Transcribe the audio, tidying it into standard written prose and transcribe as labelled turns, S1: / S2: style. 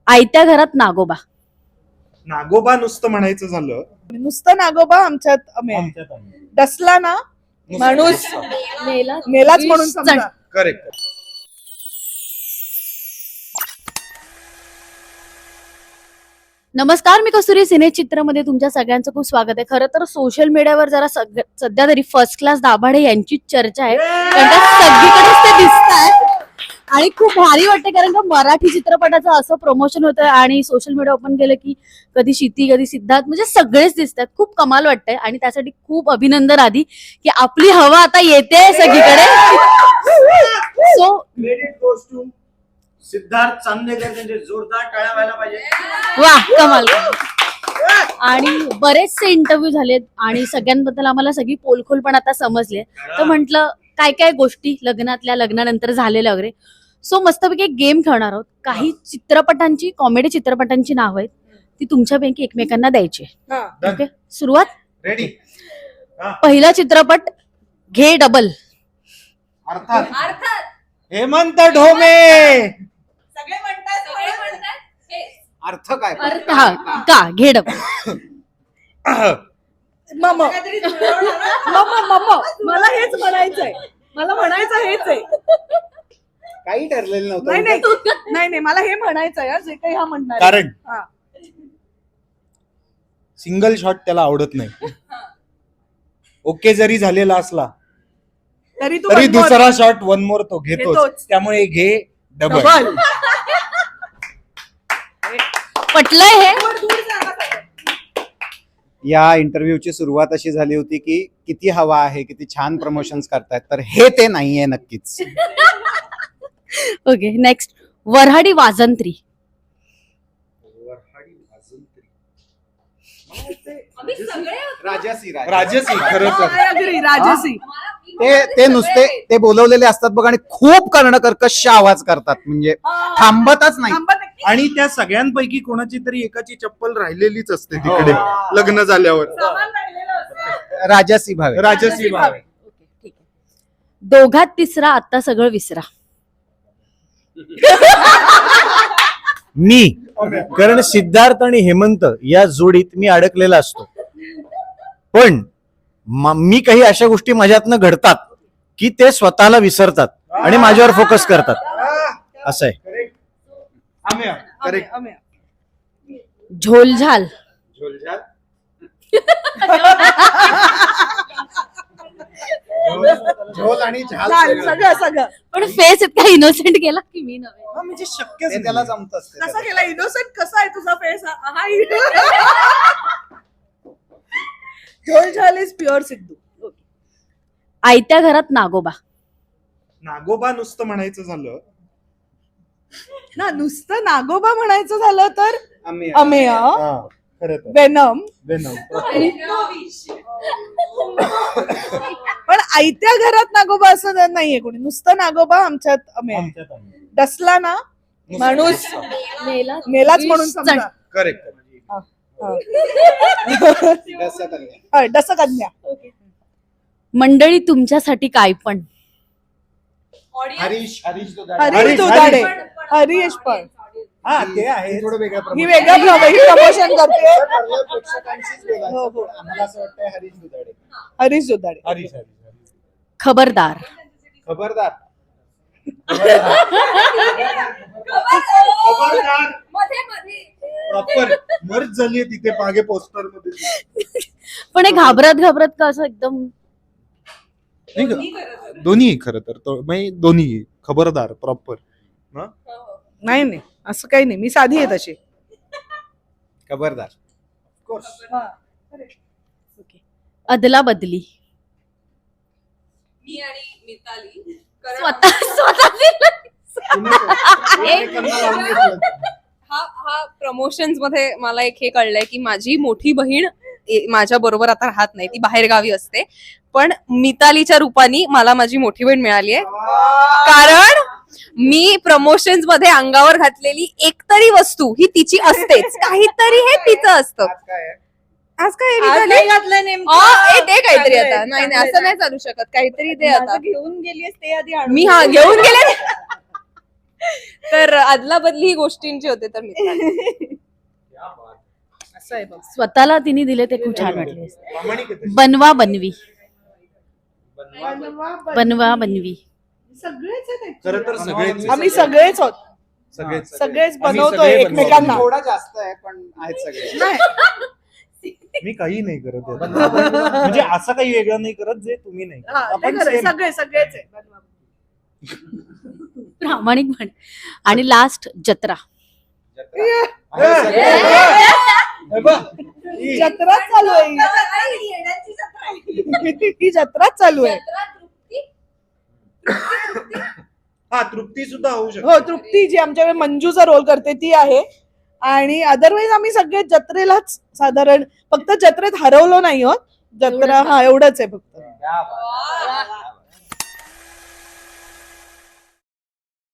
S1: आयत्या घरात नागोबा.
S2: नागोबा नुसतं म्हणायचं झालं,
S3: नुसतं नागोबा आमच्यात डसला ना माणूस मेलाच म्हणून समजा.
S2: करेक्ट.
S1: नमस्कार, मी कस्तुरी सिनेचित्रमध्ये तुमच्या सगळ्यांचं खूप स्वागत आहे. खरं तर सोशल मीडियावर जरा सध्या तरी फर्स्ट क्लास दाभाडे यांचीच चर्चा आहे, कारण का सगळीकडेच ते दिसतात आणि खूप भारी वाटते, कारण का मराठी चित्रपटाचं असं प्रमोशन होतं आणि सोशल मीडिया ओपन केलं की कधी शिती कधी सिद्धार्थ, म्हणजे सगळेच दिसतात. खूप कमाल वाटतंय आणि त्यासाठी खूप अभिनंदन आधी की आपली हवा आता येते सगळीकडे. So
S4: credit goes to Siddharth Chandekar, त्यांचे जोरदार टाळ्या व्हायला पाहिजे.
S1: वा, कमाल. आणि बरेचसे इंटरव्ह्यू झालेत आणि सगळ्यांबद्दल आम्हाला सगळी पोलखोल पण आता समजले. तर म्हटलं काय काय गोष्टी लग्नातल्या, लग्नानंतर झालेल्या वगैरे. सो मस्तपैकी एक गेम खेळणार आहोत. काही चित्रपटांची, कॉमेडी चित्रपटांची नावं आहेत, ती तुमच्यापैकी एकमेकांना द्यायची. ओके, सुरुवात.
S2: रेडी.
S1: पहिला चित्रपट घे डबल.
S2: अर्थात हेमंत ढोमे.
S4: अर्थ काय?
S1: हा का घे डबल.
S3: मला हेच म्हणायचंय, मला म्हणायचं हेच आहे.
S4: काही ठरलेलं नव्हतं.
S3: नाही मला हे म्हणायचंय जे काही हा म्हणणार.
S2: कारण सिंगल शॉट त्याला आवडत नाही. ओके जरी झालेला असला तरी दुसरा शॉट वन मोर तो घेतोच. त्यामुळे घे डबल.
S1: पटलंय हे.
S4: या इंटरव्ह्यूची सुरुवात अशी झाली होती की किती हवा आहे, किती छान प्रमोशन्स करतायत, तर हे ते नाहीये नक्कीच.
S1: Okay, next. वऱ्हाडी वाजंत्री.
S2: राजसी. खरं तर
S3: राजसी.
S4: ते नुसते ते बोलवलेले असतात बघ आणि खूप कर्णकर्कश आवाज करतात, म्हणजे थांबतच नाही.
S2: आणि त्या सगळ्यांपैकी कोणाची तरी एकाची चप्पल राहिलेलीच असते तिकडे लग्न झाल्यावर.
S4: राजसी भावे.
S2: राजसी भाव.
S1: ओके, ठीक आहे. दोघात तिसरा, आता सगळं विसरा.
S5: मी, कारण सिद्धार्थ आणि हेमंत या जोडीत मी अडकलेला असतो, पण मी काही अशा गोष्टी माझ्यातनं घडतात की ते स्वतःला विसरतात आणि माझ्यावर फोकस करतात. असं आहे.
S1: झोलझाल.
S4: झोल आणि झाल
S3: सगळं
S1: पण फेस इतका इनोसेंट केला की मी नव्हे.
S2: म्हणजे शक्य
S4: त्याला जमत असते.
S3: कसा केला इनोसेंट? कसा आहे तुझा फेस? झोलझाल इज प्युअर सिद्धू.
S1: आयत्या घरात नागोबा.
S2: नागोबा नुसतं म्हणायचं झालं,
S3: ना नुसतं नागोबा म्हणायचं झालं तर
S4: अमेय.
S2: खरं तर
S3: वेनम.
S2: वेनम.
S3: पण आयत्या घरात नागोबा असं नाहीये कोणी. नुसतं नागोबा आमच्यात अमेय. डसला ना माणूस मेलाच म्हणून समजा.
S2: करेक्ट.
S3: डसकन्या.
S1: मंडळी तुमच्यासाठी काय पण.
S4: हरीश
S3: हरीश दुधाडे. हरीश पण
S2: हा, ते आहे.
S4: थोडं वेगळं
S3: ही वेगळं प्रमोशन करते.
S4: हो. आम्हाला असं वाटतंय हरीश दुधाडे.
S3: हरीश दुधाडे.
S2: हरीश.
S1: खबरदार.
S4: खबरदार.
S2: प्रॉपर मर्ज झालीये तिथे मागे पोस्टर मध्ये.
S1: पण हे घाबरत का असं एकदम.
S2: दोन्ही खरं तर दोन्ही. खबरदार प्रॉपर.
S3: नाही असं काही नाही. मी साधी आहे तशी.
S4: खबरदार.
S1: अदला बदली.
S6: मी आणि मिताली हा प्रमोशन्स मध्ये मला एक हे कळलंय की माझी मोठी बहीण माझ्या बरोबर आता राहत नाही, ती बाहेर गावी असते, पण मितालीच्या रूपाने मला माझी मोठी बहीण मिळाली आहे. कारण मी प्रमोशन्स मध्ये अंगावर घातलेली एकतरी वस्तू ही तिची असतेच. काहीतरी हे तिचं असतं. आज काय
S3: घातलं
S6: दे काहीतरी आता. नाही असं नाही चालू शकत. काहीतरी दे आता.
S3: घेऊन गेलीस ते आधी
S6: मी घेऊन गेले. तर आदला बदली ही गोष्टींची होते तर मिताली.
S3: असं आहे बघ.
S1: स्वतःला तिने दिले ते खूप छान वाटले.
S2: प्रामाणिक आहे तशी.
S1: बनवा बनवी
S3: बनवा,
S1: बनवा बनवी.
S3: सगळेच आहेत actually.
S2: खरं तर सगळेच
S3: आम्ही सगळेच आहोत.
S2: सगळेच
S3: सगळेच
S2: आम्ही
S3: बनवतोय
S2: सगळे
S3: एकमेकांना.
S4: थोडा जास्त आहे पण आहेत सगळे.
S3: नाही.
S2: मी काही नाही करत आहे. म्हणजे असं काही वेगळं नाही करत जे तुम्ही नाही करत.
S3: हा, ते
S2: आपण
S3: खरं आहे.
S2: same.
S3: सगळेच आहे. बनवा.
S1: प्रामाणिकपणे. आणि लास्ट जत्रा.
S2: हे बघ, ही
S3: जत्राच चालू आहे ही जत्राच चालू आहे.
S2: हा तृप्ती सुद्धा होऊ शकते.
S3: हो, तृप्ती जी आमच्याकडे मंजूचा रोल करते ती आहे. आणि अदरवाईज आम्ही सगळे जत्रेलाच साधारण, फक्त जत्रेत हरवलो नाही आहोत. जत्रा हा एवढंच आहे फक्त.